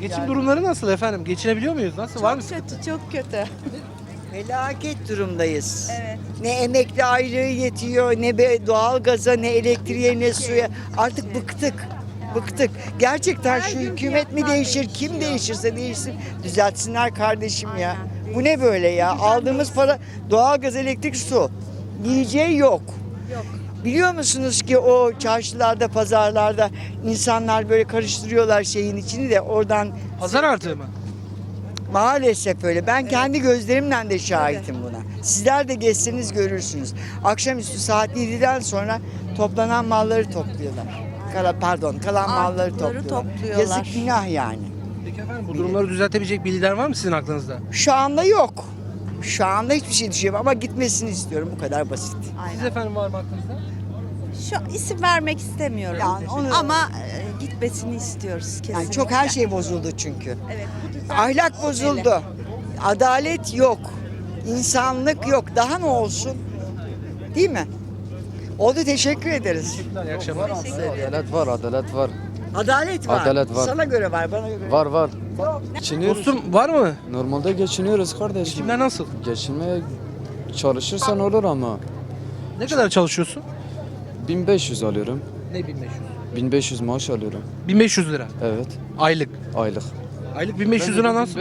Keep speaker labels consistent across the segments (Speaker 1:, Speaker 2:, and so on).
Speaker 1: Geçim durumları nasıl efendim? Geçinebiliyor muyuz? Nasıl? Var mı?
Speaker 2: Kötü, çok kötü.
Speaker 3: Felaket durumdayız.
Speaker 2: Evet.
Speaker 3: Ne emekli aylığı yetiyor, ne doğalgaza, ne elektriğe, ne suya. Artık bıktık. Bıktık. Gerçekten
Speaker 2: Her
Speaker 3: şu
Speaker 2: gün
Speaker 3: hükümet mi
Speaker 2: fiyatlar
Speaker 3: değişir, kim değişirse değişsin, düzeltsinler kardeşim ya.
Speaker 2: Aynen.
Speaker 3: Bu ne böyle ya? Aldığımız para doğalgaz, elektrik, su. Yiyeceği yok.
Speaker 2: Yok.
Speaker 3: Biliyor musunuz ki o çarşılarda, pazarlarda insanlar böyle karıştırıyorlar şeyin içini de oradan
Speaker 1: Pazar artığı mı?
Speaker 3: maalesef öyle. Ben kendi gözlerimle de şahitim buna. Sizler de geçseniz görürsünüz. Akşamüstü saat 7'den sonra toplanan malları topluyorlar. Kalan malları
Speaker 2: Artıkları
Speaker 3: topluyorlar.
Speaker 2: topluyorlar.
Speaker 3: Yazık günah yani.
Speaker 1: Peki efendim bu durumları düzeltebilecek bir lider var mı sizin aklınızda?
Speaker 3: Şu anda yok. Şu anda hiçbir şey düşünüyorum ama gitmesini istiyorum. Bu kadar basit.
Speaker 1: Siz efendim var mı aklınızda?
Speaker 2: Şu isim vermek istemiyorum.
Speaker 3: Yani onu-
Speaker 2: Ama gitmesini istiyoruz kesinlikle.
Speaker 3: Yani çok her şey bozuldu çünkü.
Speaker 2: Evet. Bu düzen
Speaker 3: Ahlak
Speaker 2: olmalı.
Speaker 3: bozuldu. Adalet yok. İnsanlık yok. Daha ne olsun? Değil mi? Oldu, teşekkür ederiz.
Speaker 1: İyi akşamlar.
Speaker 4: Adalet var, adalet var.
Speaker 3: Adalet var.
Speaker 4: Adalet var.
Speaker 3: Sana göre var, bana göre.
Speaker 4: Var var. Geçiniyoruz.
Speaker 1: Dostum var mı?
Speaker 4: Normalde geçiniyoruz kardeşim.
Speaker 1: Kimler nasıl?
Speaker 4: Geçinmeye çalışırsan olur ama
Speaker 1: Ne kadar çalışıyorsun?
Speaker 4: 1500 alıyorum.
Speaker 1: Ne 1500?
Speaker 4: 1500 maaş alıyorum.
Speaker 1: 1500 lira.
Speaker 4: Evet.
Speaker 1: Aylık.
Speaker 4: Aylık.
Speaker 1: Aylık 1500 lira nasıl?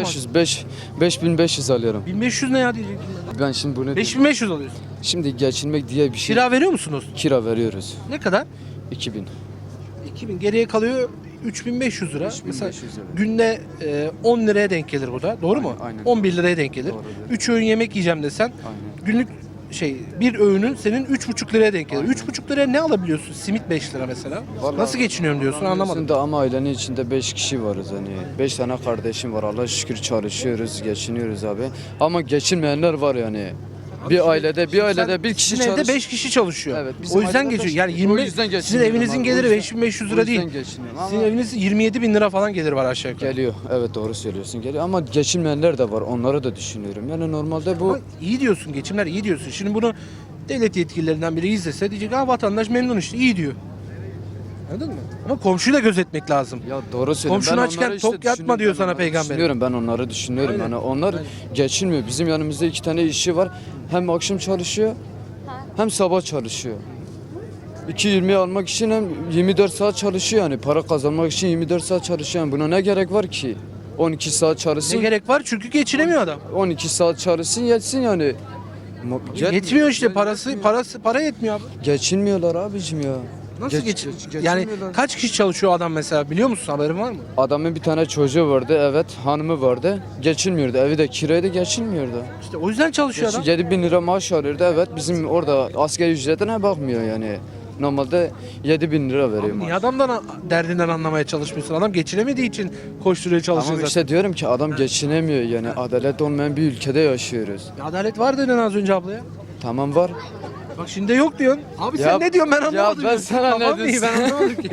Speaker 4: 5500 alıyorum.
Speaker 1: 1500 ne ya diyecektim.
Speaker 4: Ben şimdi bunu
Speaker 1: 5500 alıyorsun.
Speaker 4: şimdi geçinmek diye bir şey
Speaker 1: Kira veriyor musunuz?
Speaker 4: kira veriyoruz.
Speaker 1: Ne kadar?
Speaker 4: 2000.
Speaker 1: 2000. Geriye kalıyor 3500 lira.
Speaker 4: 3500
Speaker 1: Mesela
Speaker 4: lira.
Speaker 1: günde 10 liraya denk gelir bu da. Doğru mu?
Speaker 4: Aynen.
Speaker 1: 11 liraya denk gelir.
Speaker 4: Doğrudur.
Speaker 1: 3 öğün yemek yiyeceğim desen
Speaker 4: Aynen.
Speaker 1: günlük bir öğünün senin 3,5 liraya denk gelir.
Speaker 4: Aynen.
Speaker 1: 3,5 liraya ne alabiliyorsun? Simit 5 lira mesela.
Speaker 4: Vallahi
Speaker 1: Nasıl geçiniyorum diyorsun anlamadım.
Speaker 4: Da ama ailenin içinde 5 kişi varız hani. 5 tane kardeşim var. Allah'a şükür çalışıyoruz, geçiniyoruz abi. Ama geçinmeyenler var yani. Bir ailede bir kişi
Speaker 1: Sizin evde
Speaker 4: çalış.
Speaker 1: 5 kişi çalışıyor.
Speaker 4: Evet, bizim
Speaker 1: O yüzden
Speaker 4: ailede
Speaker 1: geçiyor.
Speaker 4: beş-
Speaker 1: Yani
Speaker 4: o
Speaker 1: 20
Speaker 4: yüzden
Speaker 1: sizin
Speaker 4: geçiniyorum
Speaker 1: evinizin
Speaker 4: abi, o
Speaker 1: geliri
Speaker 4: yüzden-
Speaker 1: 5500
Speaker 4: o
Speaker 1: lira
Speaker 4: yüzden
Speaker 1: değil.
Speaker 4: geçiniyorum ama
Speaker 1: Sizin eviniz 27 bin lira falan gelir var aşağı yukarı.
Speaker 4: geliyor. Evet doğru söylüyorsun. Geliyor ama geçinmeyenler de var. Onları da düşünüyorum. Yani normalde bu
Speaker 1: Ama iyi diyorsun, geçimler iyi diyorsun. Şimdi bunu devlet yetkililerinden biri izlese diyecek vatandaş memnun işte iyi diyor. Anladın mı? Ama komşuyu da gözetmek lazım.
Speaker 4: ya doğru söylüyorsun.
Speaker 1: Komşunu
Speaker 4: Ben
Speaker 1: açken
Speaker 4: onları
Speaker 1: tok yatma
Speaker 4: düşünüyorum.
Speaker 1: diyor
Speaker 4: Ben
Speaker 1: sana
Speaker 4: onları
Speaker 1: peygamber.
Speaker 4: Düşünüyorum ben onları düşünüyorum.
Speaker 1: Aynen.
Speaker 4: Yani onlar geçinmiyor. Bizim yanımızda 2 tane işçi var. Hem akşam çalışıyor hem sabah çalışıyor. 2.20'ye almak için hem 24 saat çalışıyor yani. Para kazanmak için 24 saat çalışıyor. Yani buna ne gerek var ki? 12 saat
Speaker 1: Ne
Speaker 4: çalışsın.
Speaker 1: gerek var? Çünkü geçinemiyor adam.
Speaker 4: 12 saat çalışsın yetsin yani.
Speaker 1: Yetmiyor işte para yetmiyor abi.
Speaker 4: Geçinmiyorlar abicim ya.
Speaker 1: Nasıl
Speaker 4: Geçinmiyorlar.
Speaker 1: Yani kaç kişi çalışıyor adam mesela biliyor musun haberin var mı?
Speaker 4: Adamın bir tane çocuğu vardı, evet, hanımı vardı. Geçinmiyordu. Evi de kiraydı, geçinmiyordu.
Speaker 1: İşte o yüzden çalışıyor adam.
Speaker 4: 7.000 lira maaş alıyordu. Evet, bizim orada asgari ücretine bakmıyor yani. Normalde 7.000 lira veriyor
Speaker 1: Abi
Speaker 4: maaş.
Speaker 1: niye adamdan derdinden anlamaya çalışmıyorsun? Adam geçinemediği için koşturuyor çalışıyor
Speaker 4: Ama
Speaker 1: zaten.
Speaker 4: işte diyorum ki adam geçinemiyor yani. Adalet olmayan bir ülkede yaşıyoruz.
Speaker 1: Ya adalet var dedin az önce ablaya.
Speaker 4: Tamam var.
Speaker 1: Bak şimdi yok diyorsun. Abi
Speaker 4: Ya-
Speaker 1: sen ne diyorsun ben anlamadım.
Speaker 4: ben sana ne
Speaker 1: Kafam iyi, ben
Speaker 4: diyorsun?
Speaker 1: anlamadım ki.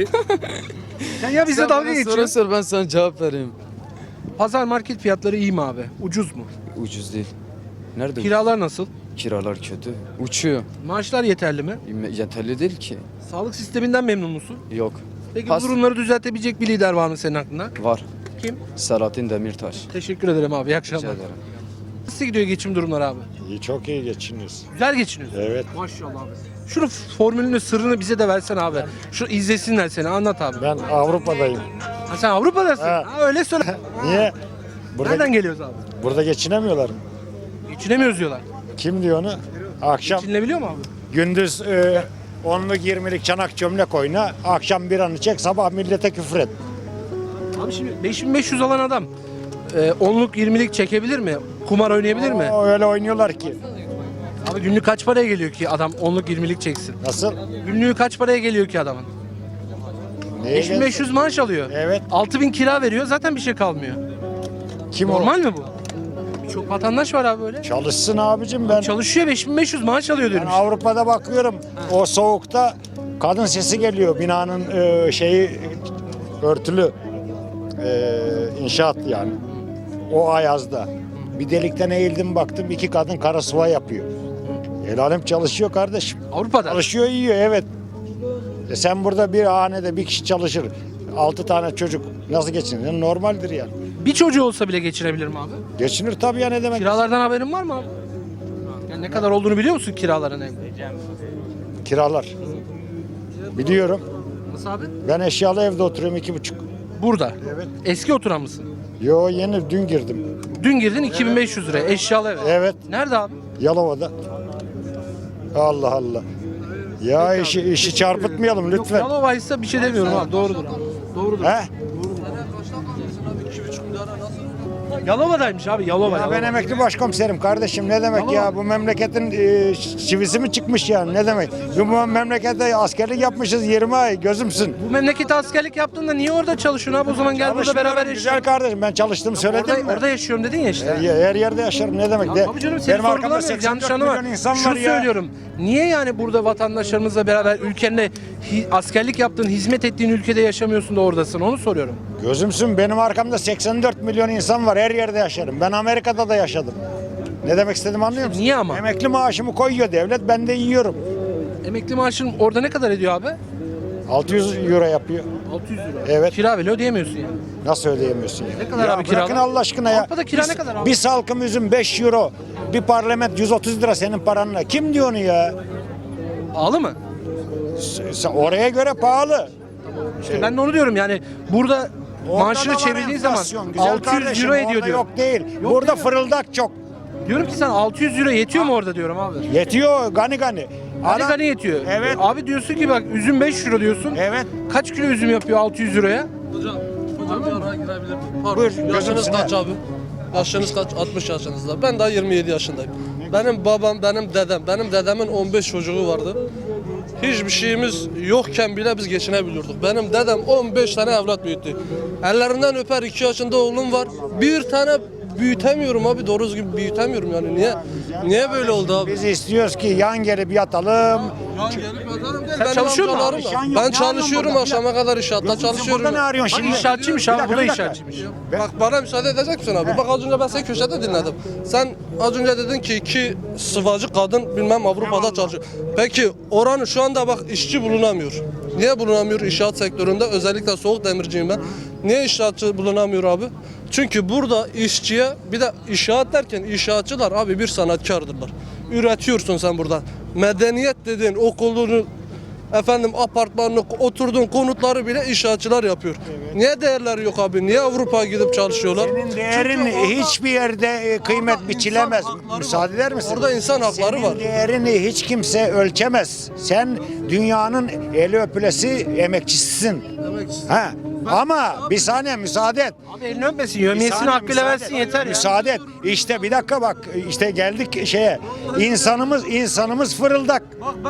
Speaker 1: Sen ya bize
Speaker 4: Sen
Speaker 1: dalga
Speaker 4: bana soru
Speaker 1: geçiyorsun.
Speaker 4: sor, ben sana cevap vereyim.
Speaker 1: Pazar market fiyatları iyi mi abi? Ucuz mu?
Speaker 4: Ucuz değil. Nerede?
Speaker 1: Kiralar nasıl?
Speaker 4: Kiralar kötü. Uçuyor.
Speaker 1: Maaşlar yeterli mi?
Speaker 4: Yeterli değil ki.
Speaker 1: Sağlık sisteminden memnun musun?
Speaker 4: Yok.
Speaker 1: Peki
Speaker 4: Pas-
Speaker 1: bu durumları düzeltebilecek bir lider var mı senin aklında?
Speaker 4: Var.
Speaker 1: Kim?
Speaker 4: Selahattin Demirtaş.
Speaker 1: Teşekkür ederim abi. İyi
Speaker 4: Rica
Speaker 1: akşamlar.
Speaker 4: ederim.
Speaker 1: Nasıl gidiyor geçim durumları abi?
Speaker 5: İyi, çok iyi geçiniyoruz.
Speaker 1: Güzel geçiniyorsun.
Speaker 5: Evet.
Speaker 1: Maşallah abi. Şunu formülünü sırrını bize de versen abi. Şu izlesinler seni anlat abi.
Speaker 5: Ben Avrupa'dayım.
Speaker 1: Ha, sen Avrupa'dasın.
Speaker 5: Ha.
Speaker 1: Ha, öyle söyle.
Speaker 5: Niye? Burada,
Speaker 1: Nereden geliyoruz abi?
Speaker 5: burada geçinemiyorlar mı?
Speaker 1: Geçinemiyoruz diyorlar.
Speaker 5: Kim diyor onu? Akşam
Speaker 1: Geçinilebiliyor mu abi?
Speaker 5: gündüz 10'luk 20'lik çanak çömlek oyna. Akşam bir anı çek, sabah millete küfür et.
Speaker 1: Abi şimdi 5500 alan adam 10'luk 20'lik çekebilir mi? Kumar oynayabilir mi?
Speaker 5: O öyle oynuyorlar ki.
Speaker 1: Abi günlük kaç paraya geliyor ki adam 10'luk 20'lik çeksin?
Speaker 5: Nasıl?
Speaker 1: Günlüğü kaç paraya geliyor ki adamın?
Speaker 5: Neye
Speaker 1: 5500 maaş alıyor.
Speaker 5: Evet.
Speaker 1: 6000 kira veriyor zaten bir şey kalmıyor.
Speaker 5: Kim
Speaker 1: Normal mi bu? Birçok vatandaş var abi böyle.
Speaker 5: Çalışsın abicim ben.
Speaker 1: Çalışıyor 5500 maaş alıyor
Speaker 5: Ben
Speaker 1: diyorum.
Speaker 5: Avrupa'da bakıyorum. O soğukta kadın sesi geliyor. Binanın şeyi örtülü. İnşaat yani. O ayazda. Bir delikten eğildim baktım 2 kadın kara sıva yapıyor. El alem çalışıyor kardeşim.
Speaker 1: Avrupa'da.
Speaker 5: Çalışıyor yiyor evet. Sen burada bir hanede bir kişi çalışır. 6 tane çocuk nasıl geçinir? Normaldir yani.
Speaker 1: Bir çocuğu olsa bile geçirebilir mi abi?
Speaker 5: Geçinir tabii ya, ne demek?
Speaker 1: Kiralardan haberin var mı abi? Yani ne kadar olduğunu biliyor musun kiraların evde?
Speaker 5: Kiralar. Biliyorum.
Speaker 1: Nasıl abi?
Speaker 5: Ben eşyalı evde oturuyorum 2,5.
Speaker 1: Burada.
Speaker 5: Evet.
Speaker 1: Eski oturan mısın?
Speaker 5: Yo, yeni dün girdim.
Speaker 1: Dün girdin 2500 lira eşyalı eve.
Speaker 5: Evet.
Speaker 1: Nerede abi?
Speaker 5: Yalova'da. Allah Allah. Ya işi çarpıtmayalım lütfen.
Speaker 1: Yalova'ysa bir şey demiyorum abi. Doğrudur abi. Doğrudur.
Speaker 5: He?
Speaker 1: Yalova'daymış abi. Yalova.
Speaker 5: Ya ben
Speaker 1: Yalova.
Speaker 5: emekli başkomiserim kardeşim, ne demek ya, bu memleketin çivisi mi çıkmış yani, ne demek? Bu memlekette askerlik yapmışız 20 ay, gözümsün.
Speaker 1: Bu memlekete askerlik yaptığında niye orada çalışıyorsun abi? O zaman gel burada beraber
Speaker 5: Güzel
Speaker 1: yaşayalım.
Speaker 5: kardeşim, ben çalıştım söyledim
Speaker 1: Orada,
Speaker 5: mi?
Speaker 1: orada yaşıyorum dedin ya işte.
Speaker 5: Her yerde yaşarım, ne demek?
Speaker 1: Abi canım seni
Speaker 5: Benim arkamda
Speaker 1: sorgulamıyoruz.
Speaker 5: 84
Speaker 1: Yanlış anlama.
Speaker 5: milyon insan
Speaker 1: Şunu
Speaker 5: var ya.
Speaker 1: söylüyorum. Niye yani burada vatandaşlarımızla beraber ülkenle askerlik yaptığın, hizmet ettiğin ülkede yaşamıyorsun da oradasın? Onu soruyorum.
Speaker 5: Gözümsün, benim arkamda 84 milyon insan var, her yerde yaşarım. Ben Amerika'da da yaşadım. Ne demek istediğimi anlıyor musun?
Speaker 1: Niye ama?
Speaker 5: Emekli maaşımı koyuyor devlet, ben de yiyorum.
Speaker 1: Emekli maaşın orada ne kadar ediyor abi?
Speaker 5: 600 euro yapıyor.
Speaker 1: 600 lira.
Speaker 5: Evet.
Speaker 1: Kira bile ödeyemiyorsun yani.
Speaker 5: Nasıl ödeyemiyorsun ya?
Speaker 1: Ne kadar abi
Speaker 5: bırakın
Speaker 1: kiralar?
Speaker 5: Allah aşkına ya.
Speaker 1: Avrupa'da kira ne kadar abi?
Speaker 5: Bir salkım üzüm 5 euro. Bir parlament 130 lira senin paranla. Kim diyor onu ya?
Speaker 1: Pahalı mı?
Speaker 5: Oraya göre pahalı.
Speaker 1: İşte ben de onu diyorum yani burada
Speaker 5: Orada da
Speaker 1: maaşını
Speaker 5: var
Speaker 1: çevirdiğin zaman
Speaker 5: enflasyon, güzel
Speaker 1: 600
Speaker 5: kardeşim,
Speaker 1: euro ediyor
Speaker 5: orada
Speaker 1: diyor.
Speaker 5: yok değil.
Speaker 1: Yok
Speaker 5: Burada
Speaker 1: değil mi?
Speaker 5: fırıldak çok.
Speaker 1: Diyorum ki sen 600 euro yetiyor mu orada diyorum abi.
Speaker 5: Yetiyor gani gani.
Speaker 1: Hani
Speaker 5: Adam-
Speaker 1: gani yetiyor.
Speaker 5: Evet.
Speaker 1: Abi diyorsun ki bak üzüm 5 euro diyorsun.
Speaker 5: Evet.
Speaker 1: Kaç kilo üzüm yapıyor 600 euroya?
Speaker 6: Hocam bir araya girebilir miyim? Pardon.
Speaker 5: Buyur,
Speaker 6: Yaşınız
Speaker 5: gözümsün
Speaker 6: kaç
Speaker 5: ha.
Speaker 6: abi? Yaşınız kaç? 60 yaşınızda. Ben daha 27 yaşındayım. Benim babam, benim dedemin 15 çocuğu vardı. Hiçbir şeyimiz yokken bile biz geçinebiliyorduk. Benim dedem 15 tane evlat büyüttü. Ellerinden öper, 2 yaşında oğlum var. Bir tane büyütemiyorum abi, doğru düzgün büyütemiyorum yani. Niye böyle oldu abi?
Speaker 5: Biz istiyoruz ki yan gelip yatalım.
Speaker 6: Yan gelip yatarım değil.
Speaker 1: Sen
Speaker 6: Benim
Speaker 1: çalışıyor musun
Speaker 6: amcalarım
Speaker 1: abi?
Speaker 6: da-
Speaker 5: İşan yok,
Speaker 6: Ben
Speaker 5: ne
Speaker 6: çalışıyorum
Speaker 5: arıyorsun
Speaker 6: akşama kadar inşaatta çalışıyorum.
Speaker 5: Burada ne arıyorsun
Speaker 1: Bak
Speaker 5: şimdi?
Speaker 1: inşaatçıymış
Speaker 5: Bir
Speaker 1: abi
Speaker 5: dakika,
Speaker 1: bu da
Speaker 5: bir dakika.
Speaker 1: inşaatçıymış.
Speaker 6: Bak bana müsaade edecek misin abi? Bak az önce ben seni köşede dinledim. Sen az önce dedin ki iki sıvacı kadın bilmem Avrupa'da çalışıyor. Peki oranın şu anda bak işçi bulunamıyor. Niye bulunamıyor inşaat sektöründe? Özellikle soğuk demirciyim ben. Niye inşaatçı bulunamıyor abi? Çünkü burada işçiye bir de inşaat derken inşaatçılar abi bir sanatkardırlar. Üretiyorsun sen burada. Medeniyet dediğin okulunu efendim apartmanını, oturduğun konutları bile inşaatçılar yapıyor. Niye değerleri yok abi? Niye Avrupa'ya gidip çalışıyorlar?
Speaker 5: Senin değerin
Speaker 6: Çünkü orada-
Speaker 5: hiçbir yerde kıymet
Speaker 6: Orada
Speaker 5: biçilemez.
Speaker 6: insan hakları
Speaker 5: Müsaade
Speaker 6: var.
Speaker 5: eder misin?
Speaker 6: Orada insan hakları
Speaker 5: Senin
Speaker 6: var.
Speaker 5: değerini hiç kimse ölçemez. Sen dünyanın eli öpülesi emekçisisin. Ha. Ama bir saniye müsaade et.
Speaker 1: Abi elini öpmesin,
Speaker 5: Bir
Speaker 1: yövmiyesini
Speaker 5: saniye
Speaker 1: hakkıyla
Speaker 5: müsaade
Speaker 1: versin
Speaker 5: et.
Speaker 1: yeter ya.
Speaker 5: Müsaade et. İşte bir dakika bak, işte geldik şeye. İnsanımız fırıldak.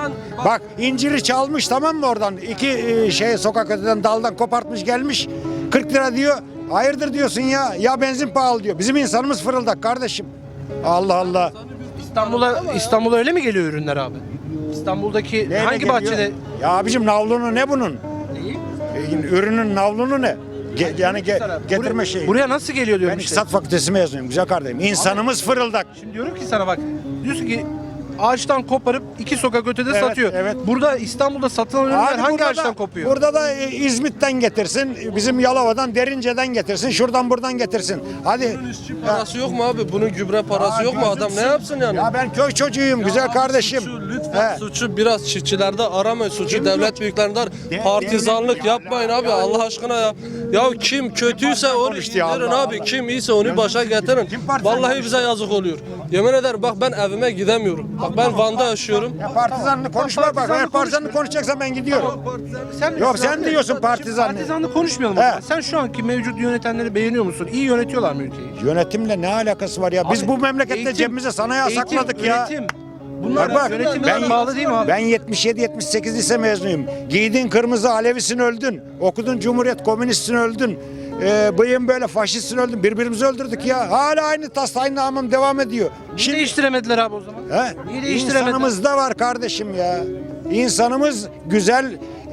Speaker 5: Bak inciri çalmış, tamam mı, oradan? İki sokak öteden daldan kopartmış gelmiş. 40 lira diyor. Hayırdır diyorsun ya. Ya benzin pahalı diyor. Bizim insanımız fırıldak kardeşim. Allah Allah.
Speaker 1: İstanbul'a öyle mi geliyor ürünler abi? İstanbul'daki
Speaker 5: Neyle
Speaker 1: hangi
Speaker 5: geliyor?
Speaker 1: bahçede?
Speaker 5: Ya abicim navlunu ne bunun?
Speaker 1: Neyi?
Speaker 5: Ürünün navlunu ne? Getirme
Speaker 1: Buraya-
Speaker 5: şeyi.
Speaker 1: Buraya nasıl geliyor diyorum
Speaker 5: Ben
Speaker 1: işte.
Speaker 5: İktisat Fakültesi mezunuyum güzel kardeşim. İnsanımız fırıldak.
Speaker 1: Şimdi diyorum ki sana bak. Diyorsun ki ağaçtan koparıp 2 sokak ötede
Speaker 5: Evet,
Speaker 1: satıyor.
Speaker 5: evet.
Speaker 1: Burada İstanbul'da satılan ürünler
Speaker 5: Abi
Speaker 1: hangi
Speaker 5: burada
Speaker 1: ağaçtan
Speaker 5: da-
Speaker 1: kopuyor?
Speaker 5: Burada da İzmit'ten getirsin, bizim Yalova'dan, Derince'den getirsin, şuradan buradan getirsin. Hadi.
Speaker 6: Parası yok mu abi? Bunun gübre parası yok mu? Adam ne yapsın yani?
Speaker 5: Ya ben köy çocuğuyum güzel
Speaker 6: Abi
Speaker 5: kardeşim.
Speaker 6: Suçu, lütfen
Speaker 5: He.
Speaker 6: suçu biraz çiftçilerde aramayın. Suçu
Speaker 5: Kim
Speaker 6: devlet
Speaker 5: diyor?
Speaker 6: büyüklerinde partizanlık
Speaker 5: devlet-
Speaker 6: yapmayın abi Allah aşkına ya. Ya kim kötüyse onu
Speaker 5: konuştu ya,
Speaker 6: indirin
Speaker 5: Allah
Speaker 6: abi.
Speaker 5: Allah.
Speaker 6: Kim iyiyse onu başa getirin.
Speaker 5: Kim partizan
Speaker 6: Vallahi
Speaker 5: konuştu?
Speaker 6: bize yazık oluyor. Yemin ederim bak ben evime gidemiyorum. Bak ben Van'da yaşıyorum.
Speaker 5: Ya partizanlık konuşma bak. Eğer
Speaker 1: Partizanlık
Speaker 5: partizanlık konuşacaksan ben gidiyorum.
Speaker 1: Sen
Speaker 5: Yok, sen diyorsun partizanlık.
Speaker 1: Partizanlık konuşmayalım. o
Speaker 5: He.
Speaker 1: zaman. Sen şu anki mevcut yönetenleri beğeniyor musun? İyi yönetiyorlar mı ülkeyi?
Speaker 5: Yönetimle ne alakası var ya? Biz
Speaker 1: Abi,
Speaker 5: bu memlekette
Speaker 1: eğitim-
Speaker 5: cebimize sanayi
Speaker 1: eğitim,
Speaker 5: sakladık ya.
Speaker 1: Üretim. Bunlar
Speaker 5: Bak,
Speaker 1: yönetimden
Speaker 5: ben-
Speaker 1: bağlı değil mi abi?
Speaker 5: Ben 77-78 lise mezunuyum. Giydin kırmızı Alevisin öldün. Okudun Cumhuriyet Komünistsin öldün. Bıyığın böyle faşistsin öldün. Birbirimizi öldürdük ya. Hala aynı tas aynı namım devam ediyor.
Speaker 1: Niye değiştiremediler abi o zaman?
Speaker 5: He?
Speaker 1: Niye değiştiremediler?
Speaker 5: İnsanımız da var kardeşim ya. İnsanımız güzel,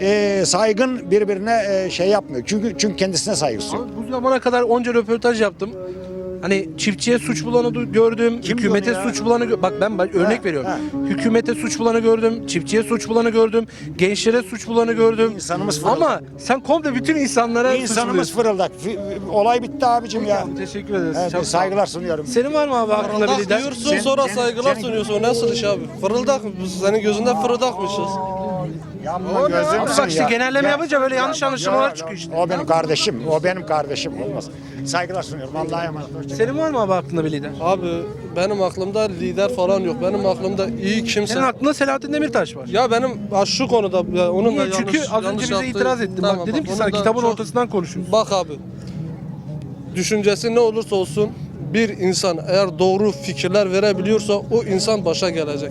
Speaker 5: saygın birbirine şey yapmıyor. Çünkü kendisine saygısı yok.
Speaker 1: Abi bu zamana kadar onca röportaj yaptım. Hani çiftçiye suç bulanı gördüm,
Speaker 5: Kim
Speaker 1: hükümete
Speaker 5: diyor ya?
Speaker 1: suç bulanı bak ben örnek veriyorum.
Speaker 5: ha.
Speaker 1: Hükümete suç bulanı gördüm, çiftçiye suç bulanı gördüm, gençlere suç bulanı gördüm.
Speaker 5: İnsanımız fırıldak.
Speaker 1: Ama sen komple bütün insanlara suç
Speaker 5: İnsanımız
Speaker 1: buluyorsun.
Speaker 5: fırıldak. Olay bitti abicim ya.
Speaker 1: Teşekkür ederiz.
Speaker 5: Evet,
Speaker 1: Çok sağ ol.
Speaker 5: saygılar sunuyorum.
Speaker 1: Senin var mı abi aklında bir
Speaker 6: Fırıldak
Speaker 1: lider?
Speaker 6: diyorsun sonra saygılar sunuyorsun. O nasıl iş abi? Fırıldak mı? Biz senin gözünde fırıldakmışız.
Speaker 5: Yanma
Speaker 1: Abi
Speaker 5: gözümsün
Speaker 1: bak işte
Speaker 5: ya.
Speaker 1: genelleme
Speaker 5: Ya-
Speaker 1: yapınca böyle yanlış anlaşılmalar
Speaker 5: Yok,
Speaker 1: çıkıyor işte.
Speaker 5: O benim kardeşim. O benim kardeşim. Olmaz. Saygılar sunuyorum. Allah'a emanet. Hoşçakalın.
Speaker 1: Senin var mı abi aklında bir lider?
Speaker 6: Abi benim aklımda lider falan yok. Benim aklımda iyi kimse.
Speaker 1: Senin aklında Selahattin Demirtaş var.
Speaker 6: Ya benim şu konuda ya onun da
Speaker 1: Niye?
Speaker 6: yanlış,
Speaker 1: Çünkü az önce
Speaker 6: yanlış
Speaker 1: bize
Speaker 6: yaptığı-
Speaker 1: itiraz ettin.
Speaker 6: Tamam,
Speaker 1: Bak dedim ki
Speaker 6: onun
Speaker 1: sana
Speaker 6: da
Speaker 1: kitabın
Speaker 6: çok-
Speaker 1: ortasından konuşuyorsun.
Speaker 6: Bak abi. Düşüncesi ne olursa olsun bir insan eğer doğru fikirler verebiliyorsa o insan başa gelecek.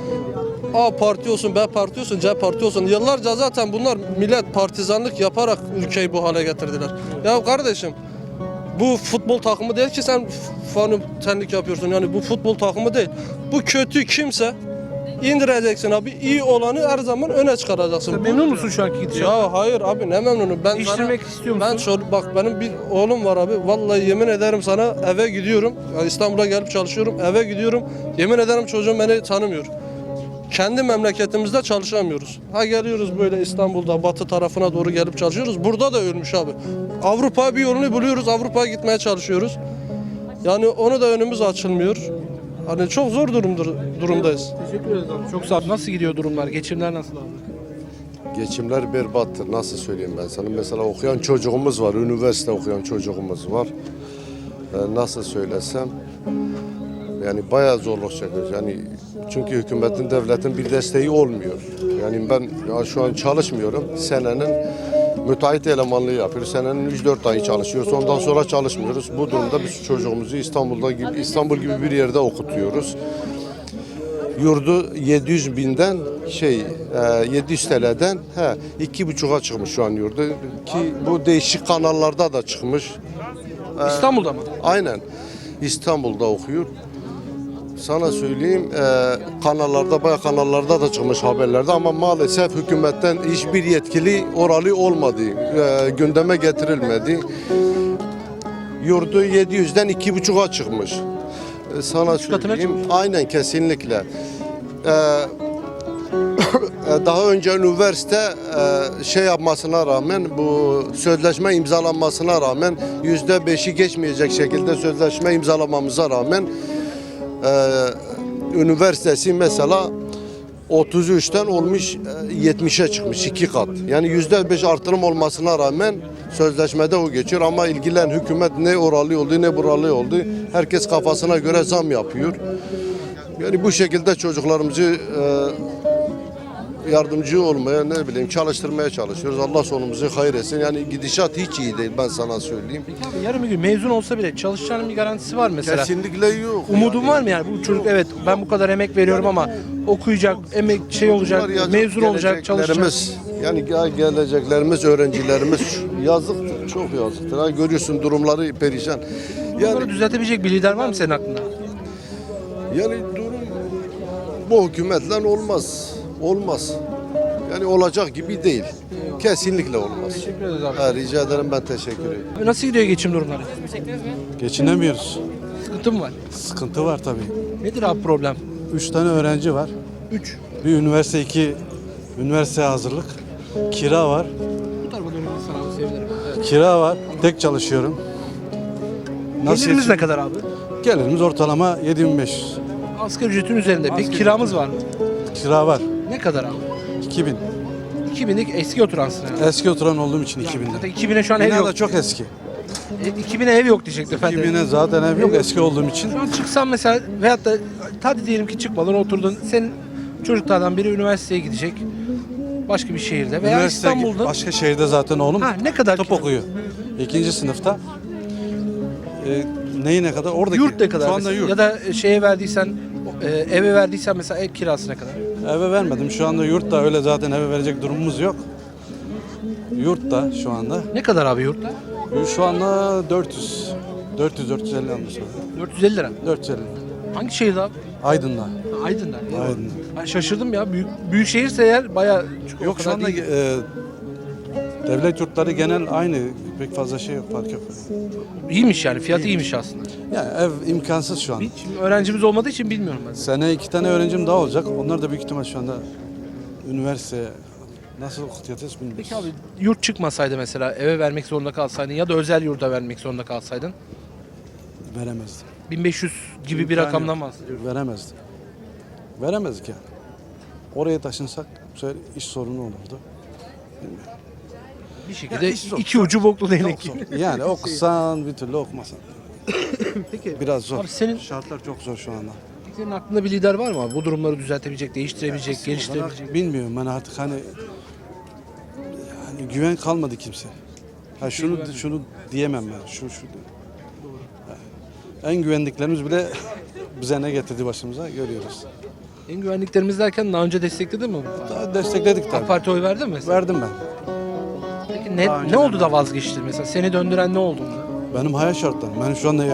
Speaker 6: A parti olsun, B parti olsun, C parti olsun. Yıllarca zaten bunlar millet partizanlık yaparak ülkeyi bu hale getirdiler. Ya kardeşim bu futbol takımı değil ki sen fanitenlik yapıyorsun. Yani bu futbol takımı değil. Bu kötü kimse indireceksin abi. İyi olanı her zaman öne çıkaracaksın.
Speaker 1: Memnun musun şu anki gidişattan?
Speaker 6: Ya hayır abi ne memnunum. Ben
Speaker 1: Değiştirmek istiyor musun?
Speaker 6: Ben bak benim bir oğlum var abi. Vallahi yemin ederim sana eve gidiyorum. Yani İstanbul'a gelip çalışıyorum. Eve gidiyorum. Yemin ederim çocuğum beni tanımıyor. Kendi memleketimizde çalışamıyoruz. Ha geliyoruz böyle İstanbul'da batı tarafına doğru gelip çalışıyoruz. Burada da ölmüş abi. Avrupa bir yolunu buluyoruz. Avrupa'ya gitmeye çalışıyoruz. Yani onu da önümüz açılmıyor. Hani çok zor durumdayız.
Speaker 1: Teşekkür ederiz abi. Çok sağ ol. Nasıl gidiyor durumlar? Geçimler nasıl abi?
Speaker 7: Geçimler berbattır. Nasıl söyleyeyim ben sana? Mesela okuyan çocuğumuz var. Üniversite okuyan çocuğumuz var. Nasıl söylesem yani bayağı zorluk çekiyoruz. Yani çünkü hükümetin, devletin bir desteği olmuyor. Yani ben ya şu an çalışmıyorum. Senenin müteahhit elemanlığı yapıyoruz. Senenin 3-4 ayı çalışıyoruz. Ondan sonra çalışmıyoruz. Bu durumda biz çocuğumuzu İstanbul gibi bir yerde okutuyoruz. Yurdu 700 binden 700 TL'den 2,5'a çıkmış şu an yurdu ki bu değişik kanallarda da çıkmış.
Speaker 1: İstanbul'da mı?
Speaker 7: Aynen İstanbul'da okuyor. Sana söyleyeyim bayağı kanallarda da çıkmış haberlerde ama maalesef hükümetten hiçbir yetkili oralı olmadı. Gündeme getirilmedi. Yurdu 700'den 2,5'a çıkmış. Sana
Speaker 1: katına
Speaker 7: söyleyeyim.
Speaker 1: çıkmış.
Speaker 7: Aynen kesinlikle. Daha önce üniversite yapmasına rağmen bu sözleşme imzalanmasına rağmen %5'i geçmeyecek şekilde sözleşme imzalamamıza rağmen üniversitesi mesela 33'ten olmuş 70'e çıkmış 2 kat. Yani %5 artırım olmasına rağmen sözleşmede o geçiyor ama ilgilen hükümet ne oralı oldu ne buralı oldu. Herkes kafasına göre zam yapıyor. Yani bu şekilde çocuklarımızı yardımcı olmaya çalıştırmaya çalışıyoruz. Allah sonumuzu hayır etsin. Yani gidişat hiç iyi değil ben sana söyleyeyim.
Speaker 1: Abi yarın bir gün mezun olsa bile çalışacağının bir garantisi var mesela.
Speaker 7: Kesinlikle yok.
Speaker 1: Umudun var mı yani bu çocuk evet ben bu kadar emek veriyorum ama okuyacak, emek olacak,
Speaker 7: Bunlar yazık,
Speaker 1: mezun olacak, çalışacak.
Speaker 7: geleceklerimiz, yani geleceklerimiz, öğrencilerimiz yazıktır, çok yazıktır. Ha, görüyorsun durumları perişan.
Speaker 1: Bunları
Speaker 7: Yani
Speaker 1: düzeltebilecek bir lider var mı senin aklında?
Speaker 7: durum bu hükümetle olmaz. Olmaz. Yani olacak gibi değil. Kesinlikle olmaz.
Speaker 1: Teşekkür ederiz abi.
Speaker 7: Ha, rica ederim ben teşekkür ederim.
Speaker 1: Abi nasıl gidiyor geçim durumları?
Speaker 8: Geçinemiyoruz.
Speaker 1: Sıkıntı mı var?
Speaker 8: Sıkıntı var tabii.
Speaker 1: Nedir abi problem?
Speaker 8: 3 tane öğrenci var.
Speaker 1: 3.
Speaker 8: Bir üniversite, 2 üniversite hazırlık. Kira var.
Speaker 1: Bu tarafa dönüp sana sevinirim. Evet.
Speaker 8: Kira var. Tek çalışıyorum.
Speaker 1: Geliriniz
Speaker 8: yetişim-
Speaker 1: ne kadar abi?
Speaker 8: Gelirimiz ortalama 7500.
Speaker 1: Asgari ücretin üzerinde. Peki
Speaker 8: Asgari
Speaker 1: kiramız var mı?
Speaker 8: Kira var.
Speaker 1: Ne kadar abi?
Speaker 8: 2000.
Speaker 1: 2000'lik eski oturansın yani.
Speaker 8: Eski oturan olduğum için 2000'de.
Speaker 1: Zaten 2000'e şu an ev
Speaker 8: Bina
Speaker 1: yok.
Speaker 8: da çok eski.
Speaker 1: 2000'e ev yok diyecekti efendim.
Speaker 8: 2000'e zaten ev yok eski olduğum için.
Speaker 1: Şu an çıksan mesela veyahut da hadi diyelim ki çıkmadın oturdun. Senin çocuklardan biri üniversiteye gidecek. Başka bir şehirde veya
Speaker 8: Üniversite
Speaker 1: İstanbul'da.
Speaker 8: başka şehirde zaten oğlum
Speaker 1: Ha, ne kadar
Speaker 8: tıp
Speaker 1: kira?
Speaker 8: okuyor. 2. sınıfta. Neyi ne kadar? Oradaki.
Speaker 1: Yurt ne kadar?
Speaker 8: Şu anda
Speaker 1: mesela?
Speaker 8: yurt.
Speaker 1: Ya da şeye verdiysen eve verdiysen mesela ev kirası ne kadar?
Speaker 8: Eve vermedim. Şu anda yurt da öyle zaten eve verecek durumumuz yok. Yurt da şu anda.
Speaker 1: Ne kadar abi yurtta?
Speaker 8: Şu anda 400. 400-450 almış.
Speaker 1: 450 lira.
Speaker 8: 450.
Speaker 1: Hangi şehirde abi?
Speaker 8: Aydın'da.
Speaker 1: Aydın'da.
Speaker 8: Aydın'da.
Speaker 1: Ben şaşırdım ya. Büyük şehirse eğer bayağı
Speaker 8: Yok şu anda Devlet yurtları genel aynı. Pek fazla şey yok, fark yok.
Speaker 1: İyiymiş yani, fiyatı iyiymiş aslında.
Speaker 8: Yani ev imkansız şu an.
Speaker 1: Şimdi öğrencimiz olmadığı için bilmiyorum ben.
Speaker 8: Sene 2 tane öğrencim daha olacak. Onlar da büyük ihtimal şu anda üniversite nasıl okutacağız bilmiyoruz.
Speaker 1: Peki abi, yurt çıkmasaydı mesela, eve vermek zorunda kalsaydın ya da özel yurda vermek zorunda kalsaydın,
Speaker 8: Veremezdim.
Speaker 1: 1500 gibi bir
Speaker 8: İmkanı
Speaker 1: rakamdan
Speaker 8: yok.
Speaker 1: bahsediyoruz.
Speaker 8: Veremezdim. Veremezdik yani. Oraya taşınsak bu sefer iş sorunu olurdu.
Speaker 1: Bir şekilde
Speaker 8: iş zor.
Speaker 1: iki ucu boklu değnek.
Speaker 8: Çok zor. Yani okusan bir türlü okumasan.
Speaker 1: Peki
Speaker 8: Biraz zor.
Speaker 1: abi, senin
Speaker 8: Şartlar çok zor şu anda.
Speaker 1: senin aklında bir lider var mı abi? Bu durumları düzeltebilecek, değiştirebilecek, geliştirebilecek.
Speaker 8: Bana, bilmiyorum ben artık hani yani güven kalmadı kimse. Ha şunu diyemem ben. Şu. En güvendiklerimiz bile bize ne getirdi başımıza görüyoruz.
Speaker 1: En güvenliklerimiz derken daha önce destekledin mi?
Speaker 8: Daha destekledik
Speaker 1: AK
Speaker 8: tabii.
Speaker 1: Parti oy verdin mi mesela?
Speaker 8: Verdim ben.
Speaker 1: Peki
Speaker 8: Daha
Speaker 1: ne
Speaker 8: önce
Speaker 1: oldu da
Speaker 8: vermedim.
Speaker 1: vazgeçtin mesela? Seni döndüren ne oldu?
Speaker 8: Benim hayat şartlarım. Ben şu anda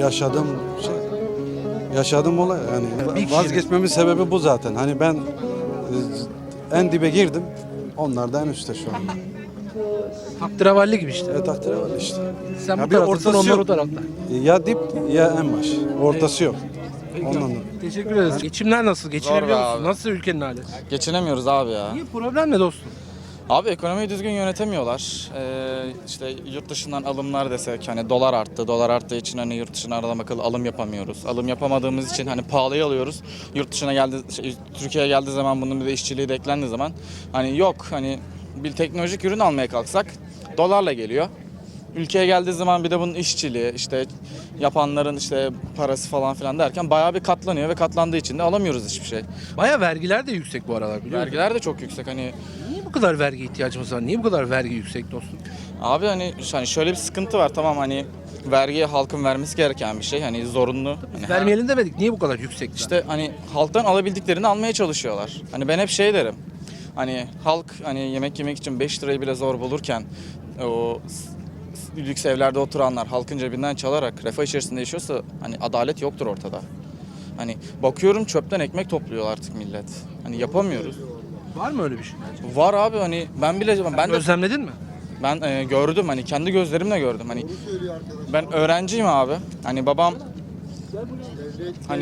Speaker 8: yaşadığım olay yani
Speaker 1: Bir kişi-
Speaker 8: vazgeçmemin sebebi bu zaten. Hani ben en dibe girdim. Onlar da en üstte şu an.
Speaker 1: Tahterevalli gibi işte.
Speaker 8: Takdir var işte.
Speaker 1: Sen
Speaker 8: Ya
Speaker 1: bu
Speaker 8: bir
Speaker 1: taraftasın,
Speaker 8: ortası
Speaker 1: onlar o
Speaker 8: yok.
Speaker 1: tarafta.
Speaker 8: Ya dip ya en baş. Ortası yok. Ondan da.
Speaker 1: Teşekkür ederiz. Geçimler nasıl? Geçinebiliyor
Speaker 9: be
Speaker 1: musun?
Speaker 9: abi.
Speaker 1: Nasıl ülkenin hali?
Speaker 9: Geçinemiyoruz abi ya.
Speaker 1: Niye? Problem ne dostum?
Speaker 9: Abi ekonomiyi düzgün yönetemiyorlar. İşte yurt dışından alımlar desek hani dolar arttı. Dolar arttığı için hani yurt dışına adam akıllı alım yapamıyoruz. Alım yapamadığımız için hani pahalıya alıyoruz. Yurt dışına Türkiye'ye geldiği zaman bunun bir de işçiliği de eklendiği zaman hani yok hani bir teknolojik ürün almaya kalksak dolarla geliyor. Ülkeye geldiği zaman bir de bunun işçiliği işte yapanların işte parası falan filan derken bayağı bir katlanıyor ve katlandığı için de alamıyoruz hiçbir şey.
Speaker 1: Baya vergiler de yüksek bu aralar, biliyor musun?
Speaker 9: Vergiler de çok yüksek hani.
Speaker 1: Niye bu kadar vergi ihtiyacımız var? Niye bu kadar vergi yüksek dostum?
Speaker 9: Abi hani şöyle bir sıkıntı var, tamam hani vergi halkın vermesi gereken bir şey hani zorunlu. Hani
Speaker 1: Vermeyelim demedik. Niye bu kadar yüksek?
Speaker 9: işte hani halktan alabildiklerini almaya çalışıyorlar. Hani ben hep şey derim. Hani halk hani yemek yemek için 5 lirayı bile zor bulurken o lüks evlerde oturanlar halkın cebinden çalarak refah içerisinde yaşıyorsa hani adalet yoktur ortada. Hani bakıyorum çöpten ekmek topluyor artık millet. Hani yapamıyoruz.
Speaker 1: Var mı öyle bir şey?
Speaker 9: Var abi hani ben de
Speaker 1: Özlemledin mi?
Speaker 9: Ben gördüm hani kendi gözlerimle gördüm hani ben öğrenciyim abi hani babam hani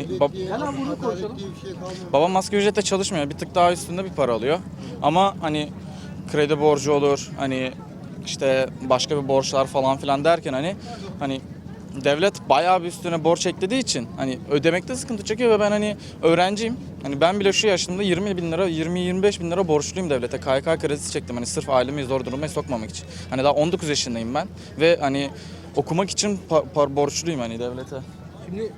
Speaker 9: babam asgari ücretle çalışmıyor, bir tık daha üstünde bir para alıyor ama hani kredi borcu olur hani işte başka bir borçlar falan filan derken hani devlet bayağı bir üstüne borç eklediği için hani ödemekte sıkıntı çekiyor ve ben hani öğrenciyim. Hani ben bile şu yaşımda 20-25 bin lira borçluyum devlete. KYK kredisi çektim hani sırf ailemi zor duruma sokmamak için. Hani daha 19 yaşındayım ben ve hani okumak için borçluyum hani devlete.
Speaker 1: Şimdi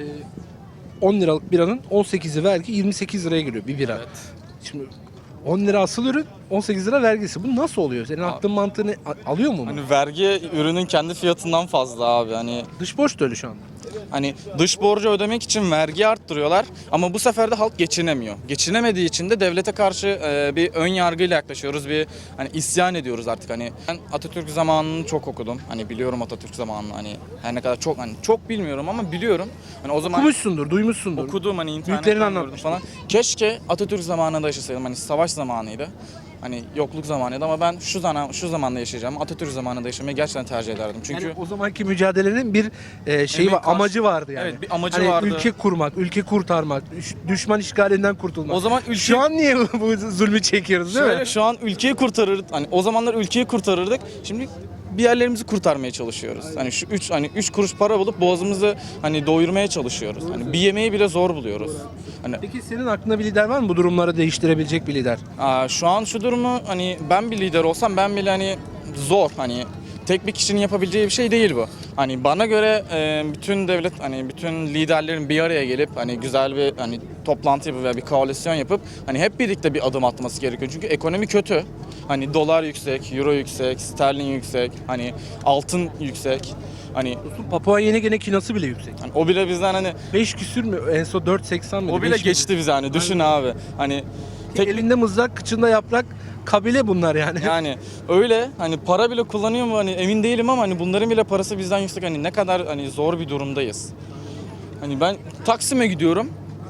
Speaker 1: 10 liralık biranın 18'i vergi, 28 liraya giriyor bir bira. Şimdi 10 lira asıl ürün, 18 lira vergisi. Bu nasıl oluyor? Senin aklın mantığını alıyor mu?
Speaker 9: Hani vergi ürünün kendi fiyatından fazla abi hani.
Speaker 1: Dış borç da öyle şu anda.
Speaker 9: Hani dış borcu ödemek için vergi arttırıyorlar ama bu sefer de halk geçinemiyor. Geçinemediği için de devlete karşı bir ön yargıyla yaklaşıyoruz. Bir hani isyan ediyoruz artık hani. Ben Atatürk zamanını çok okudum. Hani biliyorum Atatürk zamanını hani her ne kadar çok bilmiyorum ama biliyorum. Hani o zaman
Speaker 1: Okumuşsundur, duymuşsundur.
Speaker 9: okudum hani
Speaker 1: Büyüklerin
Speaker 9: internetten gördüm
Speaker 1: anlatmış
Speaker 9: falan. Keşke Atatürk zamanında yaşasaydım. Hani savaş zamanıydı. Hani yokluk zamanıydı ama ben şu zamanda yaşayacağım. Atatürk zamanında yaşamayı gerçekten tercih ederdim. Çünkü
Speaker 1: Yani o zamanki mücadelenin bir şeyi
Speaker 9: Emek
Speaker 1: var,
Speaker 9: karşı-
Speaker 1: amacı vardı yani.
Speaker 9: Evet, bir amacı
Speaker 1: hani
Speaker 9: vardı.
Speaker 1: Ülke kurmak, ülke kurtarmak, düşman işgalinden kurtulmak.
Speaker 9: o zaman
Speaker 1: Şu an niye bu zulmü çekiyoruz değil
Speaker 9: şöyle
Speaker 1: mi?
Speaker 9: şu an ülkeyi kurtarırdık. Hani o zamanlar ülkeyi kurtarırdık. Şimdi bir yerlerimizi kurtarmaya çalışıyoruz. Hani şu 3 kuruş para bulup boğazımızı hani doyurmaya çalışıyoruz. Hani bir yemeği bile zor buluyoruz. Hani
Speaker 1: Peki senin aklında bir lider var mı bu durumları değiştirebilecek bir lider?
Speaker 9: şu an şu durumu hani ben bir lider olsam ben bile hani zor hani tek bir kişinin yapabileceği bir şey değil bu. Hani bana göre bütün devlet hani bütün liderlerin bir araya gelip hani güzel bir hani toplantı yapıp veya bir koalisyon yapıp hani hep birlikte bir adım atması gerekiyor. Çünkü ekonomi kötü. Hani dolar yüksek, euro yüksek, sterlin yüksek, hani altın yüksek. Hani
Speaker 1: Papua Yeni Gine kinası bile yüksek.
Speaker 9: o bile bizden hani
Speaker 1: 5 küsür mü? En son 4.80 mi?
Speaker 9: o bile geçti bize hani düşün abi. Hani tek
Speaker 1: Elinde mızrak, kıçında yaprak, kabile bunlar yani.
Speaker 9: yani öyle hani para bile kullanıyor mu hani emin değilim ama hani bunların bile parası bizden yüksek hani ne kadar hani zor bir durumdayız. Hani ben Taksim'e gidiyorum.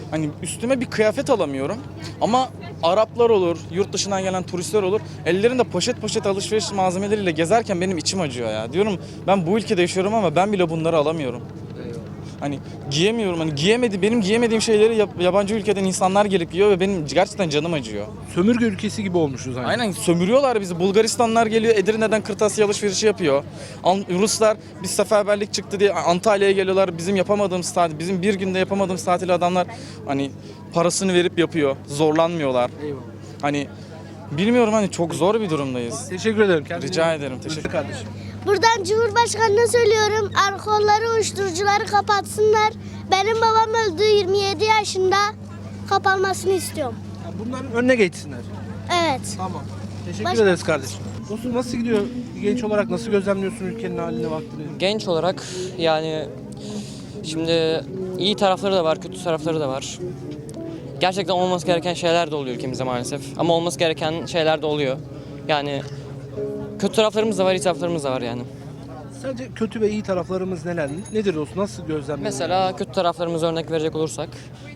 Speaker 9: Hani üstüme bir kıyafet alamıyorum. Ama Araplar olur, yurt dışından gelen turistler olur. Ellerinde poşet poşet alışveriş malzemeleriyle gezerken benim içim acıyor ya. Diyorum ben bu ülkede yaşıyorum ama ben bile bunları alamıyorum. Hani giyemiyorum. Hani benim giyemediğim şeyleri yabancı ülkeden insanlar gelip giyiyor ve benim gerçekten canım acıyor.
Speaker 1: Sömürge ülkesi gibi olmuşuz aynı.
Speaker 9: Aynen sömürüyorlar bizi. Bulgaristanlar geliyor Edirne'den kırtasiye alışverişi yapıyor. Ruslar biz seferberlik çıktı diye Antalya'ya geliyorlar. Bizim bir günde yapamadığımız tatili adamlar hani parasını verip yapıyor. Zorlanmıyorlar.
Speaker 1: Eyvallah.
Speaker 9: Hani bilmiyorum hani çok zor bir durumdayız.
Speaker 1: Teşekkür ederim. Kendine
Speaker 9: Rica
Speaker 1: iyi bak.
Speaker 9: ederim. Teşekkür
Speaker 1: Kardeşim.
Speaker 10: Buradan Cumhurbaşkanı'na söylüyorum. Alkolları, uyuşturucuları kapatsınlar. Benim babam öldü 27 yaşında. Kapanmasını istiyorum.
Speaker 1: Yani bunların önüne geçsinler.
Speaker 10: Evet.
Speaker 1: Tamam. Teşekkür ederiz kardeşim. Dostum nasıl gidiyor? Bir genç olarak nasıl gözlemliyorsun ülkenin halini, vaktini?
Speaker 11: Genç olarak yani şimdi iyi tarafları da var, kötü tarafları da var. Gerçekten olması gereken şeyler de oluyor ülkemizde maalesef. Ama olması gereken şeyler de oluyor. Yani kötü taraflarımız da var, iyi taraflarımız da var yani.
Speaker 1: Sence kötü ve iyi taraflarımız neler? Nedir dostum? Nasıl gözlemliyorsun?
Speaker 11: Mesela kötü taraflarımıza örnek verecek olursak.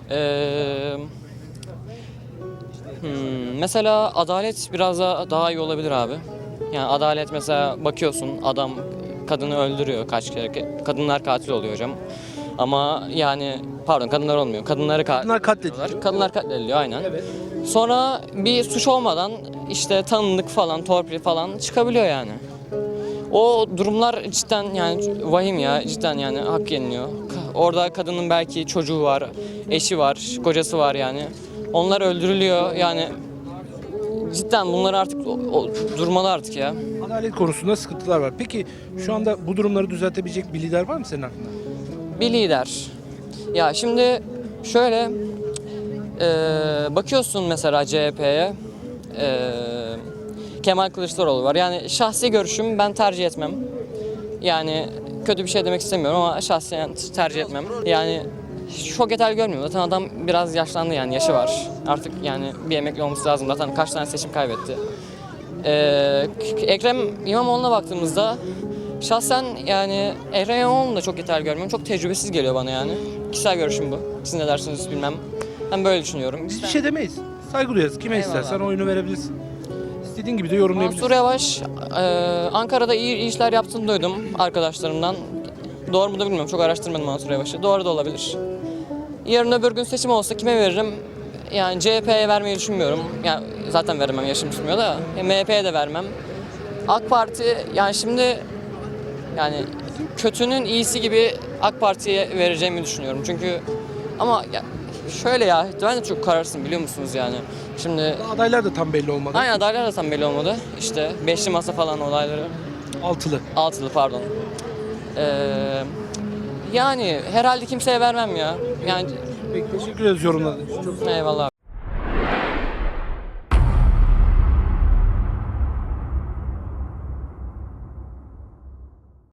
Speaker 11: Mesela adalet biraz daha iyi olabilir abi. Yani adalet mesela bakıyorsun adam kadını öldürüyor kaç kere. Kadınlar katil oluyor hocam. Ama yani pardon kadınlar olmuyor.
Speaker 1: Kadınlar katlediliyor.
Speaker 11: Kadınlar katlediliyor aynen.
Speaker 1: Evet.
Speaker 11: Sonra bir suç olmadan işte tanındık falan, torpil falan çıkabiliyor yani. O durumlar cidden yani vahim ya, cidden yani hak yeniliyor. Orada kadının belki çocuğu var, eşi var, kocası var yani. Onlar öldürülüyor yani. Cidden bunlar artık durmalı artık ya.
Speaker 1: Adalet konusunda sıkıntılar var. Peki şu anda bu durumları düzeltebilecek bir lider var mı senin aklında?
Speaker 11: Bir lider. Ya şimdi şöyle bakıyorsun mesela CHP'ye. Kemal Kılıçdaroğlu var. Yani şahsi görüşüm ben tercih etmem. Yani kötü bir şey demek istemiyorum ama şahsen tercih etmem. Yani çok yeterli görmüyorum. Zaten adam biraz yaşlandı yani yaşı var. Artık yani bir emekli olması lazım. Zaten kaç tane seçim kaybetti. Ekrem İmamoğlu'na baktığımızda şahsen yani Ekrem İmamoğlu'nu da çok yeterli görmüyorum. Çok tecrübesiz geliyor bana yani. Kişisel görüşüm bu. Siz ne dersiniz bilmem. Ben böyle düşünüyorum.
Speaker 1: Biz bir şey demeyiz. Saygı duyarız. Kime
Speaker 11: Eyvallah.
Speaker 1: istersen oyunu verebilirsin. İstediğin gibi de yorumlayabilirsin.
Speaker 11: Mansur Yavaş Ankara'da iyi işler yaptığını duydum arkadaşlarımdan. Doğru mu da bilmiyorum. Çok araştırmadım Mansur Yavaş'ı. Doğru da olabilir. Yarın öbür gün seçim olsa kime veririm? Yani CHP'ye vermeyi düşünmüyorum. Yani zaten veremem, yaşım tutmuyor da. MHP'ye de vermem. AK Parti yani şimdi yani kötünün iyisi gibi AK Parti'ye vereceğimi düşünüyorum. Çünkü ama ya şöyle ya ben de çok kararsızım biliyor musunuz yani. Şimdi
Speaker 1: Adaylar da tam belli olmadı.
Speaker 11: aynen adaylar da tam belli olmadı. İşte beşli masa falan olayları. Altılı pardon. Yani herhalde kimseye vermem ya. Yani
Speaker 1: Peki, teşekkür ederiz yorumladığın için.
Speaker 11: eyvallah.